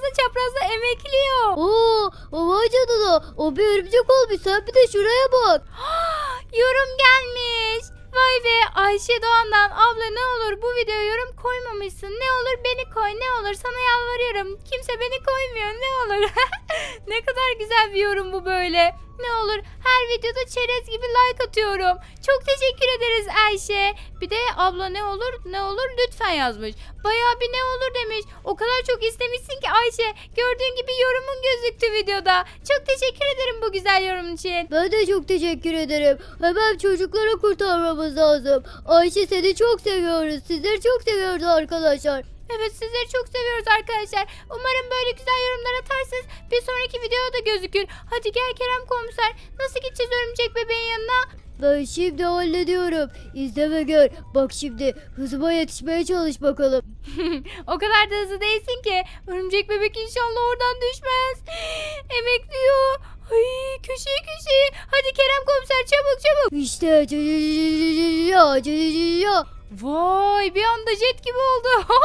çaprazda emekliyor. Vay canına. O bir örümcek olmuş. Sen bir de şuraya bak. Yorum gelmiş. Vay be, Ayşe Doğan'dan abla ne olur bu videoya yorum koymamışsın. Ne olur beni koy, ne olur sana yalvarıyorum. Kimse beni koymuyor, ne olur. Ne kadar güzel bir yorum bu böyle. Ne olur her videoda çerez gibi like atıyorum. Çok teşekkür ederiz Ayşe. Bir de abla ne olur ne olur lütfen yazmış. Bayağı bir ne olur demiş. O kadar çok istemişsin ki Ayşe. Gördüğün gibi yorumun gözüktü videoda. Çok teşekkür ederim bu güzel yorum için. Ben de çok teşekkür ederim. Hemen çocuklara kurtarmamız lazım. Ayşe seni çok seviyoruz. Sizleri çok seviyoruz arkadaşlar. Evet, sizleri çok seviyoruz arkadaşlar. Umarım böyle güzel yorumlar atarsınız. Bir sonraki videoda da gözükür. Hadi gel Kerem komiser. Nasıl gideceğiz örümcek bebeğin yanına? Ben şimdi hallediyorum. İzle ve gör. Bak şimdi hızıma yetişmeye çalış bakalım. O kadar da hızlı değilsin ki. Örümcek bebek inşallah oradan düşmez. Emekliyor. Ay, köşeye. Hadi Kerem komiser çabuk. İşte ya. Vay, bir anda jet gibi oldu.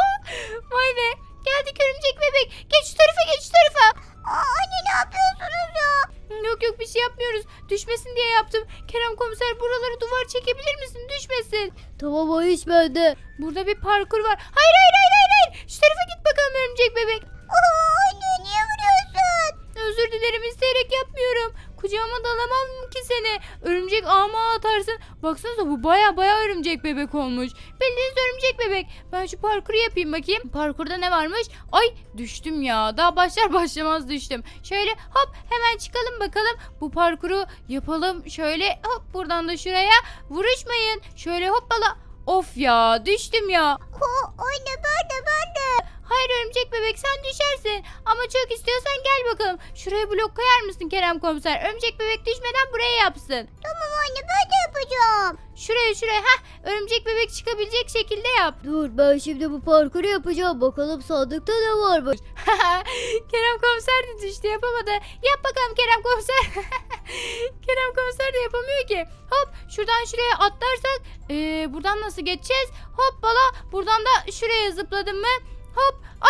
Vay be. Geldik örümcek bebek. Geç şu tarafa. Anne ne yapıyorsunuz ya? Yok bir şey yapmıyoruz. Düşmesin diye yaptım. Kerem komiser buraları duvar çekebilir misin? Düşmesin. Tamam o iş bende. Burada bir parkur var. Hayır. Şu tarafa git bakalım örümcek bebek. Anne niye vuruyorsun? Özür dilerim, isteyerek yapmıyorum. Kucağıma da alamam ki seni. Örümcek ağıma atarsın. Baksanıza bu baya örümcek bebek olmuş. Bildiğiniz örümcek bebek. Ben şu parkuru yapayım bakayım. Parkurda ne varmış? Ay düştüm ya. Daha başlar başlamaz düştüm. Şöyle hop hemen çıkalım bakalım. Bu parkuru yapalım. Şöyle hop buradan da şuraya. Vuruşmayın. Şöyle hoppala. Of ya, düştüm ya. Anne ben de. Hayır örümcek bebek, sen düşersin. Ama çok istiyorsan gel bakalım. Şuraya blok koyar mısın Kerem komiser? Örümcek bebek düşmeden buraya yapsın. Tamam anne ben de yapacağım. Şuraya. Örümcek bebek çıkabilecek şekilde yap. Dur ben şimdi bu parkuru yapacağım. Bakalım sandıkta ne varmış. Kerem komiser de düştü, yapamadı. Yap bakalım Kerem komiser. Kerem komiser de yapamıyor ki. Hop şuradan şuraya atlarsak buradan nasıl geçeceğiz? Hoppala, buradan da şuraya zıpladım mı? Hop. Ay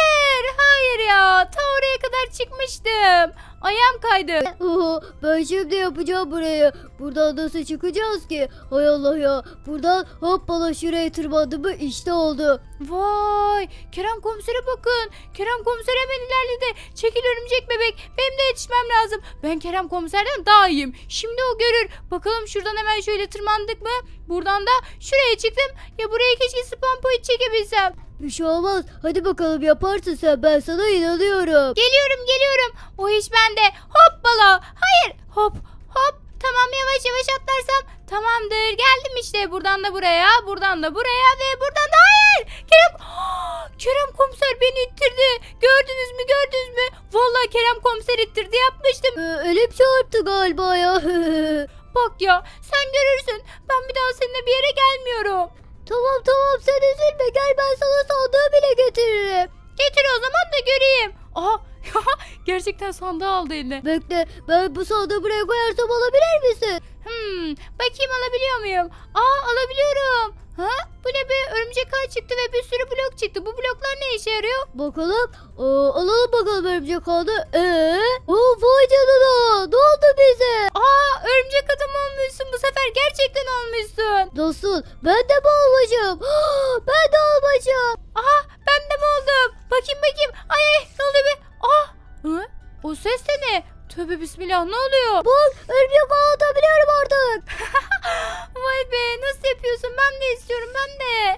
hayır ya. Ta oraya kadar çıkmıştım. Ayağım kaydı. Ben şimdi yapacağım burayı. Buradan nasıl çıkacağız ki? Hay Allah ya. Buradan hoppala şuraya tırmandım mı işte oldu. Vay, Kerem komisere bakın. Kerem komiser hemen ilerledi. Çekil örümcek bebek. Benim de yetişmem lazım. Ben Kerem komiserden daha iyiyim. Şimdi o görür. Bakalım şuradan hemen şöyle tırmandık mı? Buradan da şuraya çıktım. Ya buraya keşke spawn point çekebilsem. Bir şey olmaz. Hadi bakalım yaparsın sen. Ben sana inanıyorum. Geliyorum. O iş bende. Hoppala. Hayır. Hop. Tamam, yavaş atlarsam tamamdır. Geldim işte. Buradan da buraya ve buradan da hayır. Kerem komiser beni ittirdi. Gördünüz mü? Vallahi Kerem komiser ittirdi, yapmıştım. Elim çarptı galiba ya. Bak ya, sen görürsün. Ben bir daha seninle bir yere gelmiyorum. Tamam sen üzülme. Gel ben sana sandığı bile getiririm. Getir o zaman da göreyim. Aha. Gerçekten sandığı aldı eline. Bekle ben bu sandığı buraya koyarsam alabilir misin? Bakayım alabiliyor muyum? Alabiliyorum. Ha? Bu ne be? Örümcek ağ çıktı ve bir sürü blok çıktı. Bu bloklar ne işe yarıyor? Bakalım. Alalım bakalım örümcek ağını. Vay canına. Ne oldu bize? Örümcek adam olmuşsun bu sefer. Gerçekten olmuşsun. Nasıl? Ben de mi olmuşum? Ben de olmuşum. Ben de mi oldum? Bakayım. Ay ne oluyor be? O ses de ne? Tövbe bismillah, ne oluyor? Bak örümcek ağı atabiliyorum artık. Vay be, nasıl yapıyorsun? Ben de istiyorum, ben de.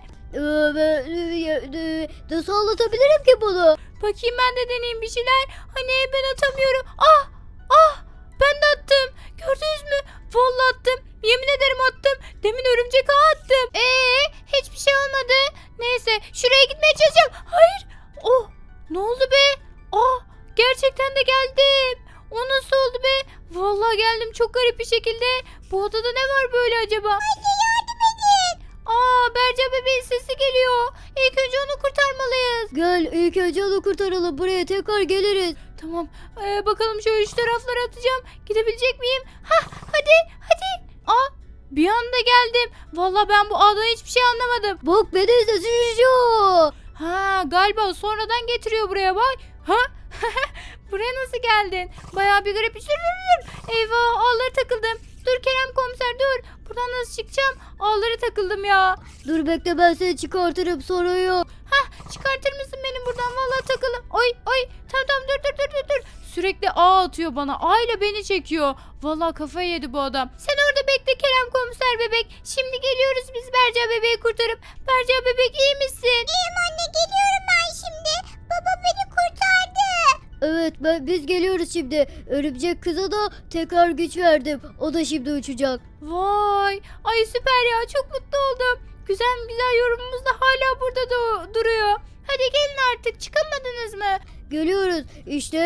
Nasıl anlatabilirim ki bunu? Bakayım, ben de deneyeyim bir şeyler. Hani ben atamıyorum. Ben de attım. Gördünüz mü? Vallahi attım. Yemin ederim attım. Demin örümcek ağı attım. Hiçbir şey olmadı. Neyse, şuraya gitmeye çalışacağım. Hayır. Ne oldu be? Gerçekten de geldim. O nasıl oldu be? Vallahi geldim çok garip bir şekilde. Bu odada ne var böyle acaba? Anne yardım edin. Berca bebeğin sesi geliyor. İlk önce onu kurtarmalıyız. Gel ilk önce onu kurtaralım. Buraya tekrar geliriz. Tamam. Bakalım şöyle şu taraflara atacağım. Gidebilecek miyim? Hadi. Bir anda geldim. Vallahi ben bu ağdan hiçbir şey anlamadım. Bak beni izle. Galiba sonradan getiriyor buraya bak. Ha? Buraya nasıl geldin? Bayağı bir garip. Dur. Eyvah, ağlara takıldım. Dur Kerem komiser dur. Buradan nasıl çıkacağım? Ağlara takıldım ya. Dur bekle, ben seni çıkartırım, sorun yok. Çıkartır mısın beni buradan? Vallahi takıldım. Ay. Tamam dur. Sürekli ağ atıyor bana. Ağ ile beni çekiyor. Vallahi kafayı yedi bu adam. Sen orada bekle Kerem komiser bebek. Şimdi geliyoruz biz Berca bebeği kurtarıp. Berca bebek iyi misin? İyiyim anne, geliyorum ben şimdi. Baba beni kurtardı. Evet, biz geliyoruz şimdi. Örümcek kıza da tekrar güç verdim. O da şimdi uçacak. Vay. Ay süper ya. Çok mutlu oldum. Güzel yorumumuz da hala burada duruyor. Hadi gelin artık. Çıkamadınız mı? Geliyoruz. İşte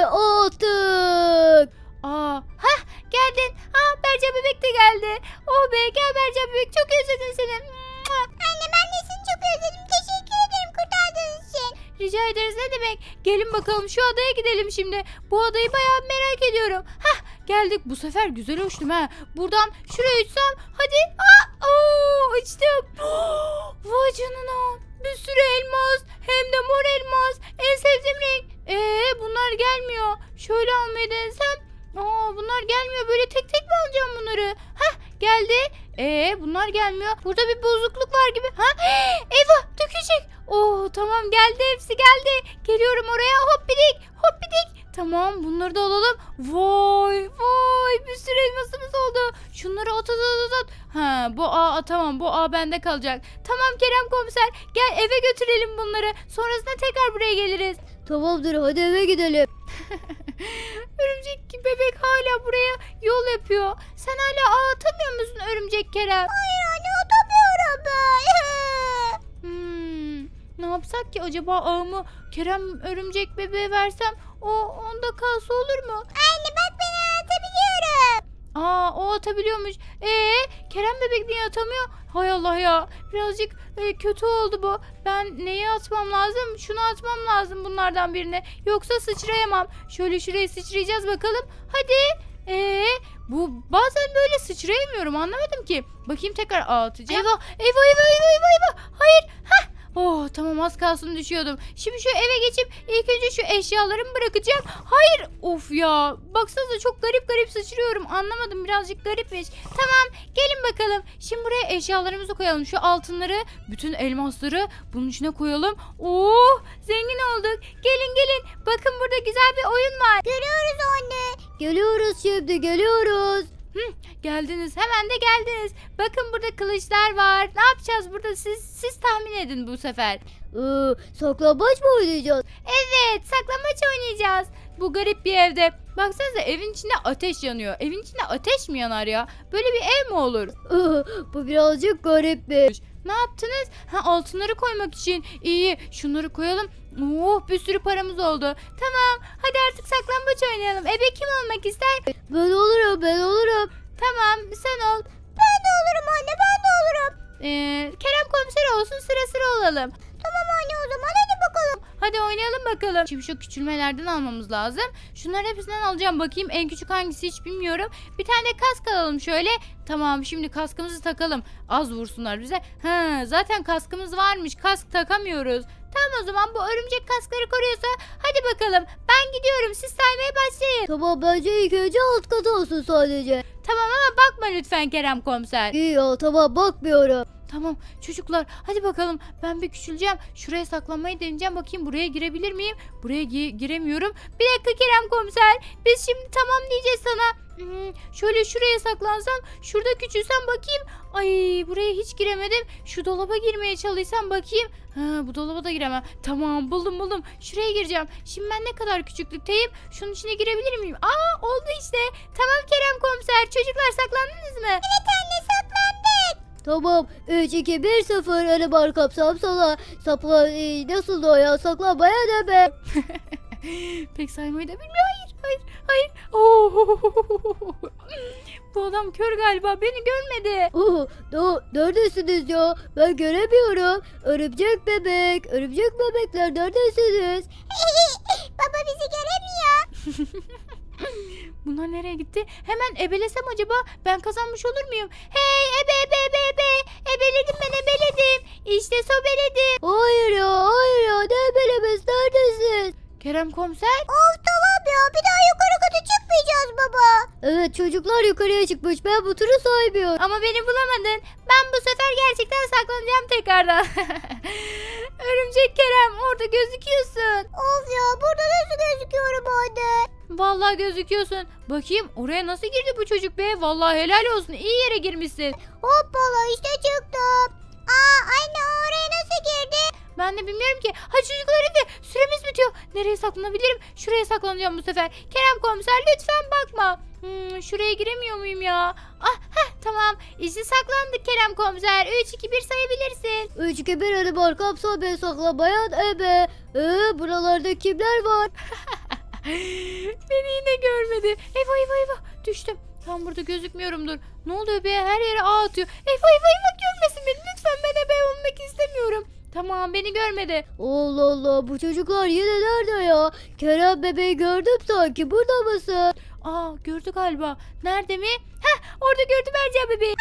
attık. Geldin. Berca bebek de geldi. Oh be, gel Berca bebek. Çok özledim seni. Anne ben de seni çok özledim. Teşekkür ederim kurtardığınız için. Rica ederiz, ne demek. Gelin bakalım şu adaya gidelim şimdi. Bu adayı bayağı merak ediyorum. Geldik. Bu sefer güzel uçtum ha. Buradan şuraya uçsam. Hadi. Uçtum. Vay canına. Bir sürü elmas. Hem de mor elmas. En sevdiğim renk. Bunlar gelmiyor. Şöyle almayı denesem. Bunlar gelmiyor. Böyle tek tek mi alacağım bunları? Geldi. Bunlar gelmiyor. Burada bir bozukluk var gibi. Eyvah, dökecek. Tamam, geldi, hepsi geldi. Geliyorum oraya. Hoppidik. Tamam, bunları da alalım. Vay bir sürü elmasımız oldu. Şunları at. Tamam, bu ağ bende kalacak. Tamam Kerem komiser, gel eve götürelim bunları. Sonrasında tekrar buraya geliriz. Tamamdır, hadi eve gidelim. Örümcek bebek hala buraya yol yapıyor. Sen hala ağ atamıyor musun örümcek Kerem? Hayır anne, atamıyorum ben. Ne yapsak ki acaba, ağımı Kerem örümcek bebeğe versem onda kalsa olur mu? Anne bak, ben atabiliyorum. O atabiliyormuş. Kerem bebek niye atamıyor? Hay Allah ya. Birazcık kötü oldu bu. Ben neyi atmam lazım? Şunu atmam lazım, bunlardan birini. Yoksa sıçrayamam. Şöyle şuraya sıçrayacağız bakalım. Hadi. Bu bazen böyle sıçrayamıyorum, anlamadım ki. Bakayım, tekrar atacağım. Eyvah. Hayır. Tamam, az kalsın düşüyordum. Şimdi şu eve geçip ilk önce şu eşyalarımı bırakacağım. Hayır. Of ya. Baksanıza çok garip sıçrıyorum. Anlamadım, birazcık garipmiş. Tamam, gelin bakalım. Şimdi buraya eşyalarımızı koyalım. Şu altınları, bütün elmasları bunun içine koyalım. Zengin olduk. Gelin. Bakın burada güzel bir oyun var. Görüyoruz anne. Geliyoruz şimdi, geliyoruz. Geldiniz, hemen de geldiniz. Bakın burada kılıçlar var. Ne yapacağız burada, siz tahmin edin bu sefer. Saklambaç mı oynayacağız? Evet, saklambaç oynayacağız. Bu garip bir evde. Baksanıza, evin içinde ateş yanıyor. Evin içinde ateş mi yanar ya? Böyle bir ev mi olur? Bu birazcık garipmiş. Ne yaptınız? Altınları koymak için. İyi, şunları koyalım. Bir sürü paramız oldu. Tamam, hadi artık saklambaç oynayalım. Ebe kim olmak ister? Ben olurum. Tamam, sen ol. Ben de olurum anne, ben de olurum. Kerem komiser olsun, sıra olalım. Tamam anne, o zaman hadi bakalım. Hadi oynayalım bakalım. Şimdi şu küçülmelerden almamız lazım. Şunların hepsinden alacağım, bakayım en küçük hangisi hiç bilmiyorum. Bir tane kask alalım şöyle. Tamam, şimdi kaskımızı takalım. Az vursunlar bize. Zaten kaskımız varmış, kask takamıyoruz. Tamam, o zaman bu örümcek kaskları koruyorsa hadi bakalım. Ben gidiyorum, siz saymaya başlayın. Tamam, bence ilk önce alt kat olsun sadece. Tamam ama bakma lütfen Kerem komiser. İyi ya, tamam, bakmıyorum. Tamam çocuklar, hadi bakalım, ben bir küçüleceğim. Şuraya saklanmayı deneyeceğim, bakayım buraya girebilir miyim? Buraya giremiyorum. Bir dakika Kerem komiser, biz şimdi tamam diyeceğiz sana. Şöyle şuraya saklansam, şurada küçülsem bakayım. Ay, buraya hiç giremedim. Şu dolaba girmeye çalışsam bakayım. Bu dolaba da giremem. Tamam, buldum. Şuraya gireceğim. Şimdi ben ne kadar küçüklükteyim? Şunun içine girebilir miyim? Oldu işte. Tamam Kerem komiser, çocuklar saklandınız mı? Evet anne, saklandık. Tamam, 3, 2, 1, 0. Öyle bar kapsam sola. Sapla, nasıl o ya? Saklanmaya ne be? Pek saymayı da bilmiyor. Hayır. Bu adam kör galiba, beni görmedi. Neredesiniz ya? Ben göremiyorum. Örümcek bebekler neredesiniz? Baba bizi göremiyor. Bunlar nereye gitti? Hemen ebelesem acaba, ben kazanmış olur muyum? Hey ebe. Ebeledim ben, ebeledim. İşte sobeledim. Hayır ya, ne belemez, neredesin? Kerem komiser. Of tamam ya, bir daha yukarı kata çıkmayacağız baba. Evet, çocuklar yukarıya çıkmış, ben bu turu saymıyorum. Ama beni bulamadın. Ben bu sefer gerçekten saklanacağım tekrardan. Örümcek Kerem, orada gözüküyorsun. Of ya, burada nasıl gözüküyorum anne? Vallahi gözüküyorsun. Bakayım oraya nasıl girdi bu çocuk be? Vallahi helal olsun. İyi yere girmişsin. Hoppala, işte çıktım. Aa anne, oraya nasıl girdi? Ben de bilmiyorum ki. Ha çocuklar hadi süremiz bitiyor. Nereye saklanabilirim? Şuraya saklanacağım bu sefer. Kerem komiser lütfen bakma. Şuraya giremiyor muyum ya? Ah tamam. İşte saklandık Kerem komiser. 3 2 1 sayabilirsin. 3 2 1 hadi Barkam sobe saklamayan ebe. Buralarda kimler var? Beni yine görmedi. Eyvah eyvah eyvah. Düştüm. Tam burada gözükmüyorumdur. Ne oluyor be? Her yere ağ atıyor. Eyvah eyvah eyvah, görmesin beni. Lütfen, ben ebe olmak istemiyorum. Tamam, beni görmedi. Allah Allah, bu çocuklar yine nerede ya? Kerem bebeği gördüm sanki, burada mısın? Aa, gördü galiba. Nerede mi? Heh, orada gördü Berca bebeği.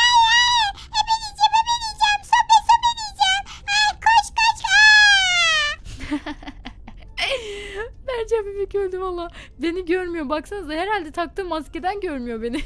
Berca bebek öldü valla. Beni görmüyor. Baksanıza, herhalde taktığı maskeden görmüyor beni.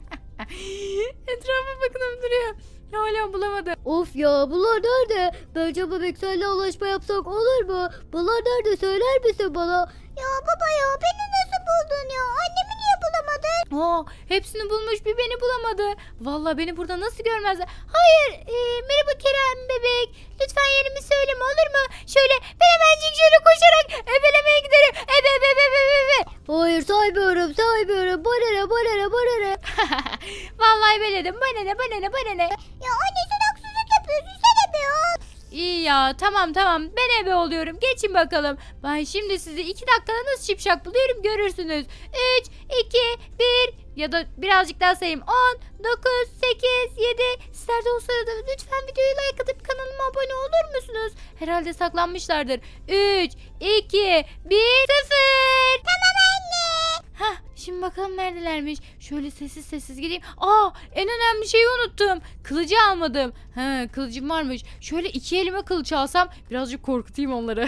Etrafa bakınıp duruyor. Hala bulamadı. Of ya, bunlar nerede? Bence bebek seninle anlaşma yapsak olur mu? Bunlar nerede, söyler misin bana? Ya baba ya, beni nasıl buldun ya? Annemi niye bulamadın? Aa, hepsini bulmuş, bir beni bulamadı. Valla beni burada nasıl görmezler? Hayır, merhaba Kerem bebek. Lütfen yerimi söyleme, olur mu? Şöyle ben hemencik şöyle koşarak ebelemeye giderim. Ebe ebe ebe ebe ebe. Hayır, saymıyorum. Bana ne. Vallahi ebeledim. Bana ne. Ya anne, sen haksızlık yapıyorsun, sen ebe ol. İyi ya, tamam ben ebe oluyorum. Geçin bakalım. Ben şimdi sizi 2 dakikada nasıl şipşak buluyorum görürsünüz. 3, 2, 1 ya da birazcık daha sayayım. 10, 9, 8, 7. Sizler de o sırada lütfen videoyu like atıp kanalıma abone olur musunuz? Herhalde saklanmışlardır. 3, 2, 1, 0. Tamam anne. Hah, şimdi bakalım neredelermiş. Şöyle sessiz gideyim. Aa, en önemli şeyi unuttum. Kılıcı almadım. He, kılıcım varmış. Şöyle 2 elime kılıç alsam birazcık korkutayım onları.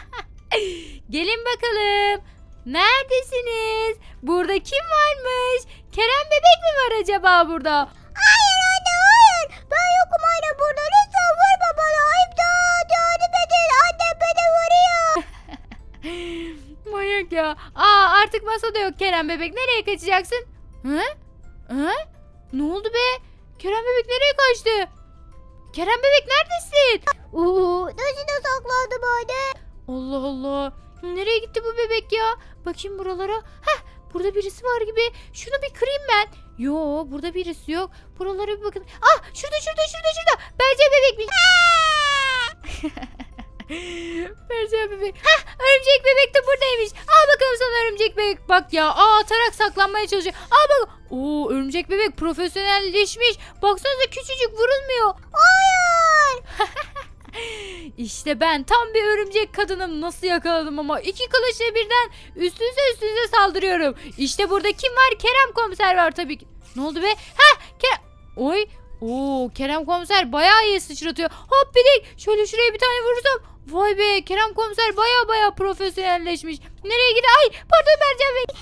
Gelin bakalım. Neredesiniz? Burada kim varmış? Kerem bebek mi var acaba burada? Hayır anne, hayır. Ben yokum anne burada. Lütfen vurma bana. İmdat, yardım edin. Annem beni vuruyor. Manyak ya. Aa, artık masada yok Kerem bebek. Nereye kaçacaksın? Hı? Hı? Ne oldu be? Kerem bebek nereye kaçtı? Kerem bebek neredesin? Nasıl da saklandım anne? Allah Allah. Nereye gitti bu bebek ya? Bakayım buralara. Heh, burada birisi var gibi. Şunu bir kırayım ben. Yo, burada birisi yok. Buralara bir bakın. Ah, şurada. Berce bebekmiş. Berce bebek. Heh, örümcek bebek de buradaymış. Al bakalım sana örümcek bebek. Bak ya, atarak saklanmaya çalışıyor. Al bak. Oo, örümcek bebek profesyonelleşmiş. Baksanıza, küçücük, vurulmuyor. Hayır. İşte ben tam bir örümcek kadınım. Nasıl yakaladım ama, 2 kılıçla birden üstünüze saldırıyorum. İşte burada kim var? Kerem komiser var tabii ki. Ne oldu be? Kerem. Oy. Oo, Kerem komiser bayağı iyi sıçratıyor. Hop bidik. Şöyle şuraya bir tane vurursam. Vay be, Kerem komiser bayağı profesyonelleşmiş. Nereye gidiyor? Ay pardon Mercan Bey.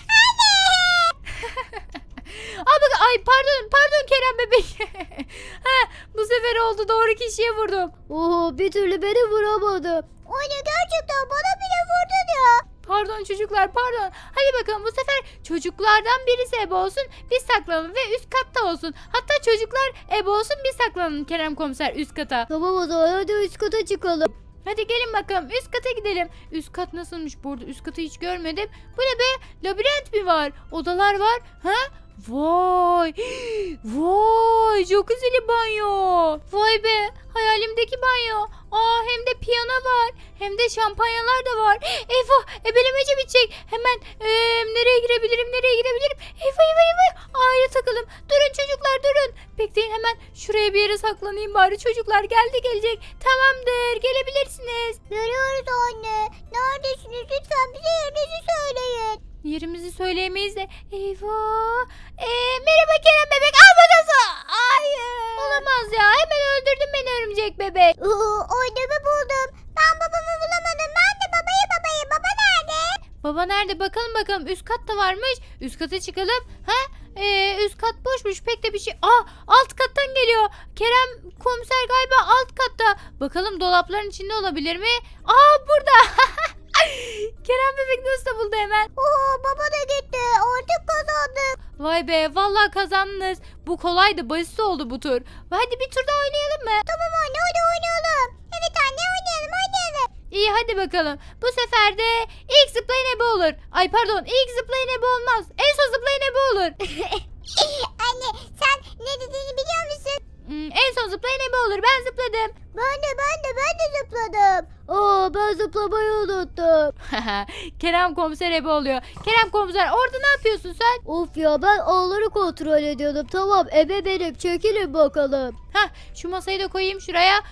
Aa bak, ay pardon Kerem bebek. Bu sefer oldu, doğru kişiye vurdum. Bir türlü beni vuramadı. Anne, gerçekten bana bile vurdun ya. Pardon çocuklar, pardon. Hadi bakalım, bu sefer çocuklardan birisi ebe olsun, biz saklanalım ve üst katta olsun. Hatta çocuklar ebe olsun, biz saklanalım Kerem komiser üst kata. Tamam, o zaman hadi üst kata çıkalım. Hadi gelin bakalım, üst kata gidelim. Üst kat nasılmış bu arada? Üst katı hiç görmedim. Bu ne be? Labirent mi var? Odalar var. Ha? Vay. Vay, jacuzzi'li banyo. Vay be, hayalimdeki banyo. Hem de piyano var. Hem de şampanyalar da var. Eyvah, ebelemece bitecek. Hemen nereye girebilirim? Eyvah. A'ya takalım. Durun çocuklar, durun. Bekleyin, hemen şuraya bir yere saklanayım bari. Çocuklar gelecek. Tamamdır, gelebilirsiniz. Görüyoruz anne. Neredesiniz? Lütfen bize yerinizi söyleyin. Yerimizi söyleyemeyiz de. Eyvah. Merhaba Kerem bebek. Al bakalım. Hayır. Olamaz ya. Hemen öldürdün beni örümcek bebek. Annemi buldum. Ben babamı bulamadım. Ben de babayı. Baba nerede? Baba nerede? Bakalım bakalım. Üst katta varmış. Üst kata çıkalım. Ha? Üst kat boşmuş. Pek de bir şey. Alt kattan geliyor. Kerem komiser galiba alt katta. Bakalım dolapların içinde olabilir mi? Burada. Kerem bebek nasıl da buldu hemen. Oo, baba da gitti. Artık kazandık. Vay be vallahi kazandınız. Bu kolaydı, basit oldu bu tur. Hadi bir tur daha oynayalım mı? Tamam anne, hadi oynayalım. Evet anne, oynayalım. İyi hadi bakalım. Bu sefer de ilk zıplayan ebe olur. Ay pardon, ilk zıplayan ebe olmaz. En son zıplayan ebe olur. Anne, sen ne dediğini biliyor musun? En son zıplayan ebe olur. Ben zıpladım. Ben de zıpladım. Ben zıplamayı unuttum. Kerem komiser ebe oluyor. Kerem komiser orada ne yapıyorsun sen? Of ya, ben ağları kontrol ediyordum. Tamam, ebe benim, çekilin bakalım. Şu masayı da koyayım şuraya.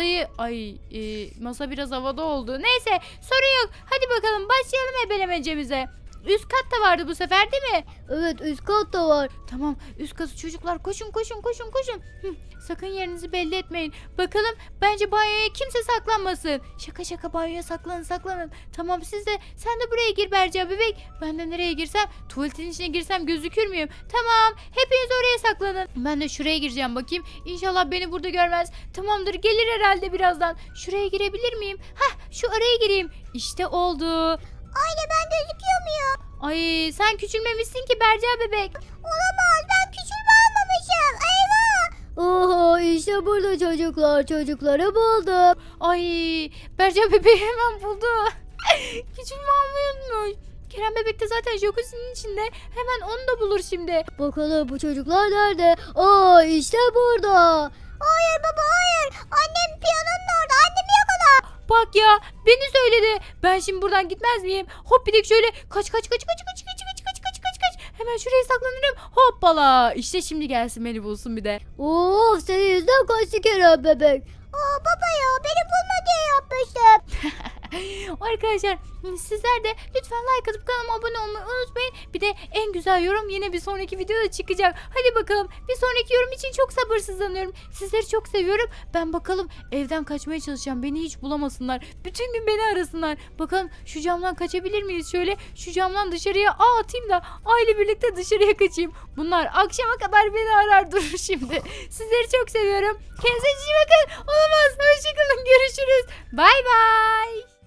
Masa biraz havada oldu. Neyse sorun yok. Hadi bakalım başlayalım ebelemecemize. Üst kat da vardı bu sefer değil mi? Evet, üst kat da var. Tamam üst katı çocuklar koşun. Sakın yerinizi belli etmeyin. Bakalım bence banyoya kimse saklanmasın. Şaka banyoya saklanın. Tamam sen de buraya gir Berca bebek. Ben de nereye girsem tuvaletin içine girsem gözükür müyüm? Tamam hepiniz oraya saklanın. Ben de şuraya gireceğim bakayım. İnşallah beni burada görmez. Tamamdır gelir herhalde birazdan. Şuraya girebilir miyim? Şu araya gireyim. İşte oldu. Anne, ben gözüküyor muyum? Ay sen küçülmemişsin ki Berca bebek. Olamaz, ben küçülme almamışım. Eyvah. Oho, işte burada çocukları buldum. Ay Berca bebeği hemen buldu. Küçülme almayı unutmuş. Kerem bebek de zaten jacuzzi'nin içinde. Hemen onu da bulur şimdi. Bakalım bu çocuklar nerede? İşte burada. Hayır baba, hayır. Annem piyanonun orada. Annemi yakala. Bak ya beni söyledi. Ben şimdi buradan gitmez miyim? Hop bir de şöyle kaç. Hemen şuraya saklanırım. Hoppala. İşte şimdi gelsin beni bulsun bir de. Of, senin yüzünden kaçtı Kerem bebek. Baba ya, beni bulma diye yapmıştım. Arkadaşlar sizler de lütfen like atıp kanalıma abone olmayı unutmayın. Bir de en güzel yorum yine bir sonraki videoda çıkacak. Hadi bakalım bir sonraki yorum için çok sabırsızlanıyorum. Sizleri çok seviyorum. Ben bakalım evden kaçmaya çalışacağım. Beni hiç bulamasınlar. Bütün gün beni arasınlar. Bakalım şu camdan kaçabilir miyiz? Şöyle şu camdan dışarıya atayım da aile birlikte dışarıya kaçayım. Bunlar akşama kadar beni arar durur şimdi. Sizleri çok seviyorum. Kendinize iyi bakın. Olamaz. Hoşçakalın. Görüşürüz. Bay bay.